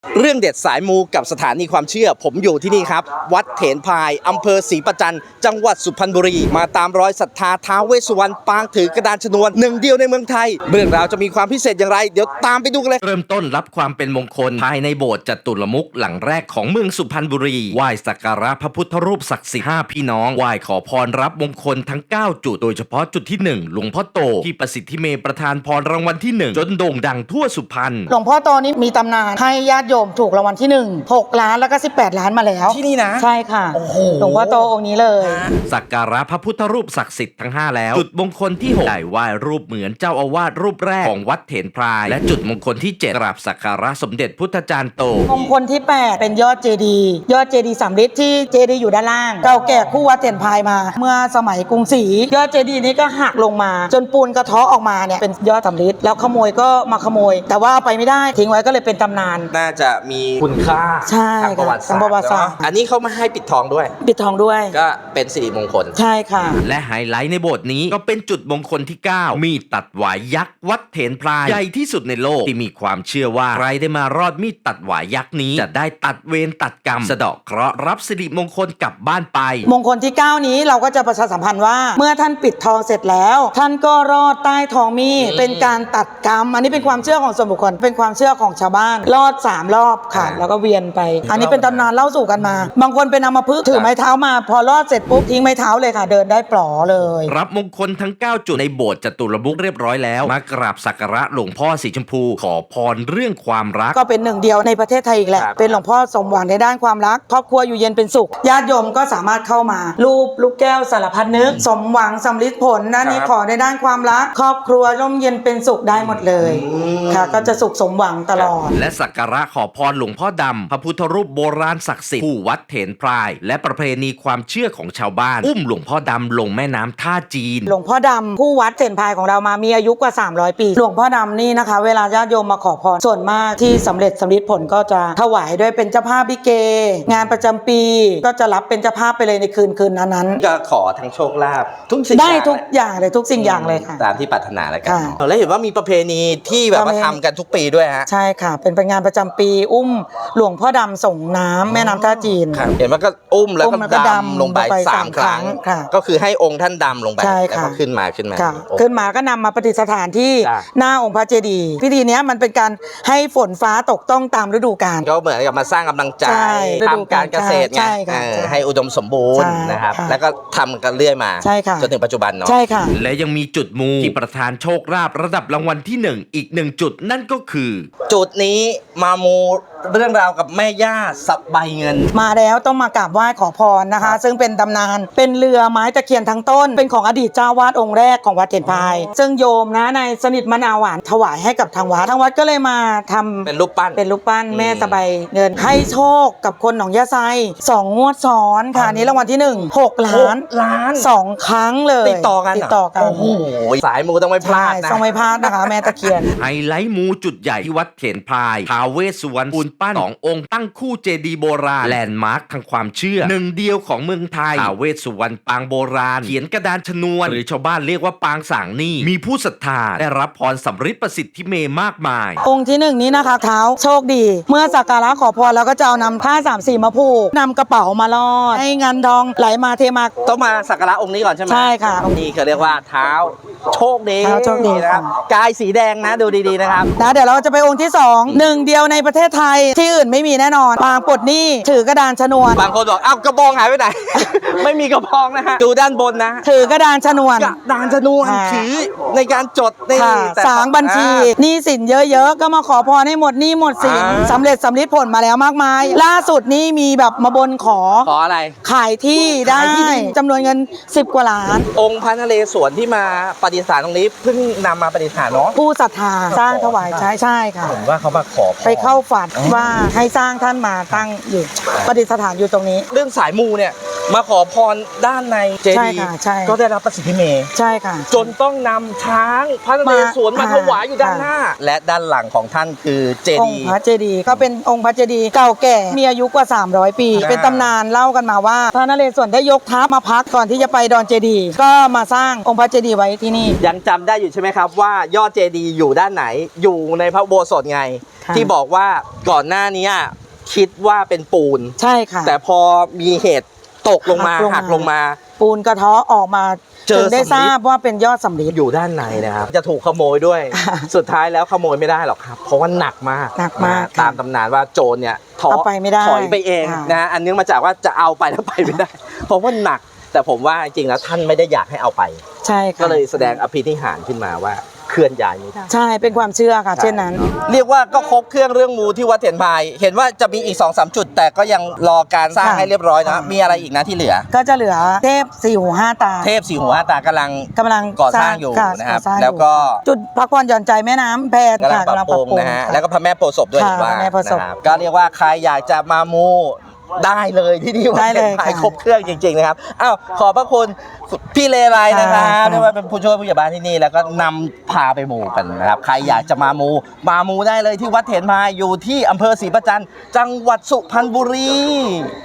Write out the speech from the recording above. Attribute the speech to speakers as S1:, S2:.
S1: เรื่องเด็ดสายมูกับสถานีความเชื่อผมอยู่ที่นี่ครับวัดเถนพายอำเภอศรีประจันจังหวัดสุพรรณบุรีมาตามรอยศรัทธาท้าวเวสสุวรรณปางถือกระดานชนวนหนึ่งเดียวในเมืองไทยเรื่องราวจะมีความพิเศษอย่างไรเดี๋ยวตามไปดูกันเลย
S2: เริ่มต้นรับความเป็นมงคลภายในโบสถ์จตุรมุขหลังแรกของเมืองสุพรรณบุรีไหว้สักการะพระพุทธรูปศักดิ์สิทธิ์5พี่น้องไหว้ขอพรรับมงคลทั้ง9จุดโดยเฉพาะจุดที่1หลวงพ่อโตที่ประสิทธิเมย์ประธานพรรางวัลที่1จนโด่งดังทั่วสุพรรณ
S3: หลวงพ่อโตนี้มีตำนานให้ญาติโยมถูกรางวัลที่6 ล้านแล้วก็18 ล้านมาแล้ว
S1: ที่นี่นะ
S3: ใช่ค่ะหลวงพ่อโตองค์นี้เลย
S2: สักการะพระพุทธรูปศักดิ์สิทธิ์ทั้ง5แล้วจุดมงคลที่6ได้ไหว้รูปเหมือนเจ้าอาวาสรูปแรกของวัดเถนพรายและจุดมงคลที่7กราบสักการะสมเด็จพุทธจารย์โต
S3: มงคลที่8เป็นยอดเจดีย์สำริดที่เจดีย์อยู่ด้านล่างเก่าแก่คู่วัดเถนพรายมาเมื่อสมัยกรุงศรียอดเจดีย์นี้ก็หักลงมาจนปูนกระเทาะออกมาเนี่ยเป็นยอดสำริดแล้วขโมยก็มาขโมยแต่ว่าเอาไปไม่ได้ทิ้งไว้ก็เลยเป็นตำนาน
S1: น่าจะมีคุณค่า
S3: ใช่
S1: ทางประวัติศาสตร์อันนี้เขามาให้ปิดทองด้วยก็เป็นสิริมงคล
S3: ใช่ค่ะ
S2: และไฮไลท์ในโบสถ์นี้ก็เป็นจุดมงคลที่9มีดตัดหวายยักษ์วัดเถนพรายใหญ่ที่สุดในโลกที่มีความเชื่อว่าใครได้มารอดมีดตัดหวายยักษ์นี้จะได้ตัดเวรตัดกรรมสะเดาะเคราะห์รับสิริมงคลกลับบ้านไป
S3: มงคลที่9นี้เราก็จะประชาสัมพันธ์ว่าเมื่อท่านปิดทองเสร็จแล้วท่านก็รอดใต้ทองมีดเป็นการตัดกรรมอันนี้เป็นความเชื่อของส่วนบุคคลเป็นความเชื่อของชาวบ้านรอด3 รอบค่ะแล้วก็เวียนไปอันนี้เป็นตำนานเล่าสู่กันมาบางคนเป็นอัมพฤกษ์ถือไม้เท้ามาพอรอดเสร็จปุ๊บทิ้งไม้เท้าเลยค่ะเดินได้ปลอเลย
S2: รับมงคลทั้ง9จุดในโบสถ์จตุรมุขเรียบร้อยแล้วมากราบสักการะหลวงพ่อสีชมพูขอพรเรื่องความรัก
S3: ก็เป็นหนึ่งเดียวในประเทศไทยอีกแหละเป็นหลวงพ่อสมหวังในด้านความรักครอบครัวอยู่เย็นเป็นสุขญาติโยมก็สามารถเข้ามารูปลูกแก้วสารพัดนึกสมหวังสำลิดผลนั่นนี่ขอในด้านความรักครอบครัวร่มเย็นเป็นสุขได้หมดเลยค่ะก็จะสุขสมหวังตลอด
S2: และสักการะขอพรหลวงพ่อดำพระพุทธรูปโบราณศักดิ์สิทธิ์ผู้วัดเถนพรายและประเพณีความเชื่อของชาวบ้านอุ้มหลวงพ่อดำลงแม่น้ำท่าจีน
S3: หลวงพ่อดำผู้วัดเถนพรายของเรามามีอายุกว่า300 ปีหลวงพ่อดำนี่นะคะเวลาญาติโยมมาขอพรส่วนมากที่สำเร็จสำลิดผลก็จะถวายด้วยเป็นเจ้าภาพลิเกงานประจำปีก็จะรับเป็นเจ้าภาพไปเลยในคืนนั้น
S1: ก็ขอทั้งโชคลาภทุกสิ่ง
S3: ได้ทุกอย่างเลยทุกสิ่งอย่างเลยค่ะ
S1: ตามที่ปรารถนาแล้วกันแล้วเห็นว่ามีประเพณีที่แบบว่าทำกันทุกปีด้วยฮะ
S3: ใช่ค่ะเป็นงานประจำปีอุ้มหลวงพ่อดำส่งน้ำแม่น้ำท่าจีน
S1: เห็นว่าก็อุ้มแล้วก็ดำลงไป3 ครั้งก็คือให้องค์ท่านดำลงไปแล้วก็ขึ้นมา
S3: ก็นำมาประดิษฐานที่หน้าองค์พระเจดีย์พิธีนี้มันเป็นการให้ฝนฟ้าตกต้องตามฤดูกาล
S1: ก็เหมือนกับมาสร้างกำลังใจทำการเกษตรไงให้อุดมสมบูรณ์นะครับแล้วก็ทำกันเรื่อยมาจนถึงปัจจุบันเนาะ
S3: ใช่ค่ะ
S2: และยังมีจุดมูที่ประธานโชคลาภระดับรางวัลที่1อีก1จุดนั่นก็คือ
S1: จุดนี้มามูเรื่องราวกับแม่ย่าสับใบเงิน
S3: มาแล้วต้องมากราบไหว้ขอพรนะคะซึ่งเป็นตำนานเป็นเรือไม้ตะเคียนทั้งต้นเป็นของอดีตเจ้าวาดองค์แรกของวัดเถนพรายซึ่งโยมนะในสนิทมะนาวหวานถวายให้กับทางวัดก็เลยมาทำ
S1: เป็นรูปปั้น
S3: แม่สบายเงินให้โชคกับคนหนองยะไซ2 งวดซ้อนค่ะนี้รางวัลที่1 6 ล้าน2 ครั้งเลย
S1: ติดต่อกันโอ้โหสายมูต้องไม่พลาด
S3: ต้องไม่พลาดนะคะแม่ตะเคียน
S2: ไฮไลท์มูจุดใหญ่ที่วัดเถนพรายท้าวเวสสุวรรณปูนปั้น2 องค์ตั้งคู่เจดีย์โบราณแลนด์มาร์คทางความเชื่อหนึ่งเดียวของเมืองไทยท้าวเวสสุวรรณปางโบราณเขียนกระดานชนวนหรือชาวบ้านเรียกว่าปางสางนี่มีผู้ศรัทธาได้รับพรสำริดประสิทธิเมย์มากมาย
S3: องค์ที่1นี้นะคะเท้าโชคดีเมื่อสักการะขอพรแล้วก็จะเอานำผ้า3 สีมาผูกนำกระเป๋ามาลอดให้เงินทองไหลมาเทมา
S1: ต้องมาสักการะองค์นี้ก่อนใช่ไหม
S3: ใช่ค่ะ
S1: นี่เขาเรียกว่าเท้าโชคดีนะครับกายสีแดงนะดูดีๆนะครับ
S3: เดี๋ยวเราจะไปองค์ที่2หนึ่งเดียวในประเทศไทยที่อื่นไม่มีแน่นอนปางปลดหนี้ถือกระดานชนวน
S1: บางคนบอกอ้าวกระบองหายไปไหน ไม่มีกระบองนะฮะดูด้านบนนะ
S3: ถือกระดานชนวน
S1: ถือในการจดใน
S3: สางบัญชีหนี้สินเยอะๆก็มาขอพรให้หมดหนี้หมดสินสำเร็จสำลิดผลมาแล้วมากมายล่าสุดนี้มีแบบมาบนขอ
S1: อะไร
S3: ขายที่ได้จำนวนเงิน10 กว่าล้าน
S1: องค์พระนเรศวรที่มาประดิษฐานตรงนี้เพิ่งนำมาประดิษฐานเนาะ
S3: ผู้ศรัทธาสร้างถวายใช่ค่ะ
S1: ผมว่าเขามาขอ
S3: ไปเข้าฝันว่าให้สร้างท่านมาตั้งอยู่ประดิษฐานอยู่ตรงนี้
S1: เรื่องสายมูเนี่ยมาขอพรด้านในเจดีย์ก็ได้รับประสิทธิเมย์
S3: ใช่ค่ะ
S1: จนต้องนำช้างพระนเรศวรมาถวายอยู่ด้านหน้าและด้านหลังของท่านคือเจดีย์
S3: พระเจดีย์ก็เป็นองค์พระเจดีย์เก่าแก่มีอายุกว่า300 ปีเป็นตำนานเล่ากันมาว่าพระนเรศวรได้ยกทัพมาพักก่อนที่จะไปดอนเจดีย์ก็มาสร้างองค์พระเจดีย์ไว้ที่นี่
S1: ยังจำได้อยู่ใช่ไหมครับว่ายอดเจดีย์อยู่ด้านไหนอยู่ในพระอุโบสถไง
S3: ค่ะ
S1: ที่บอกว่าก่อนหน้านี้คิดว่าเป็นปูน
S3: ใช่ค่ะ
S1: แต่พอมีเหตุตกลงมาหักลงมา
S3: ปูนกระเทาะออกมา
S1: เจอ
S3: ถึงได้
S1: สำริด
S3: ทราบว่าเป็นยอดสำริด
S1: อยู่ด้านในนะครับ จะถูกขโมยด้วย
S3: ค่ะ
S1: สุดท้ายแล้วขโมยไม่ได้หรอกครับ เพราะว่าหนักมาก
S3: หนักมาก
S1: นะ
S3: ค่ะ
S1: ตามตำนานว่าโจรเนี่ย
S3: เอาไปไม่ได้
S1: ถอยไปเอง
S3: ค่ะ
S1: นะอันเนื่องมาจากว่าจะเอาไปแล้วไปไม่ได้ เพราะว่าหนัก แต่ผมว่าจริงๆแล้วท่านไม่ได้อยากให้เอาไป
S3: ใช่ค่ะ
S1: ก็เลยแสดงอภินิหารขึ้นมาว่าเคลื่อนย้ายไม่ได้
S3: ใช่เป็นความเชื่อค่ะ เช่นนั้น
S1: เรียกว่าก็ครบเครื่องเรื่องมูที่วัดเถนพาย เห็นว่าจะมีอีก 2-3 จุด แต่ก็ยังรอการสร้าง
S3: ค่ะ
S1: ให้เรียบร้อยนะ
S3: ค่ะ
S1: มีอะไรอีกนะที่เหลือ
S3: ก็จะเหลือเทพสี่หูห้าตา
S1: เทพสีหัวตากำลัง
S3: กำลัง
S1: ก่อสร้างอยู่
S3: ค่ะ
S1: นะครับ
S3: ก่อสร้างอยู่
S1: แล้วก็
S3: จุดพักผ่อนหย่อนใจแม่น้ำแพร
S1: กำลัง
S3: ค่ะ
S1: ปรับปรุงนะฮะ
S3: ค่
S1: แล้วก็พระแม่โพธิ์ศพด้วย
S3: ค่ะ
S1: เห็นว่า
S3: พระแม่โพธิ์ศพ
S1: นะครับก็เรียกว่าใครอยากจะมามูได้เลยที่นี่วัด
S3: ได้
S1: เถ
S3: เล
S1: น
S3: ย
S1: พาย
S3: ค่ะ
S1: ครบเครื่องจริงๆนะครับอ้าวขอบพระคุณพี่เลไลนะครับ
S3: ค่ะ
S1: เรียกว่าเป็นผู้ช่วยผู้ใหญ่บ้านที่นี่แล้วก็นำพาไปมูกันนะครับใครอยากจะมามูได้เลยที่วัดเถนพายอยู่ที่อำเภอศรีประจันทร์จังหวัดสุพรรณบุรี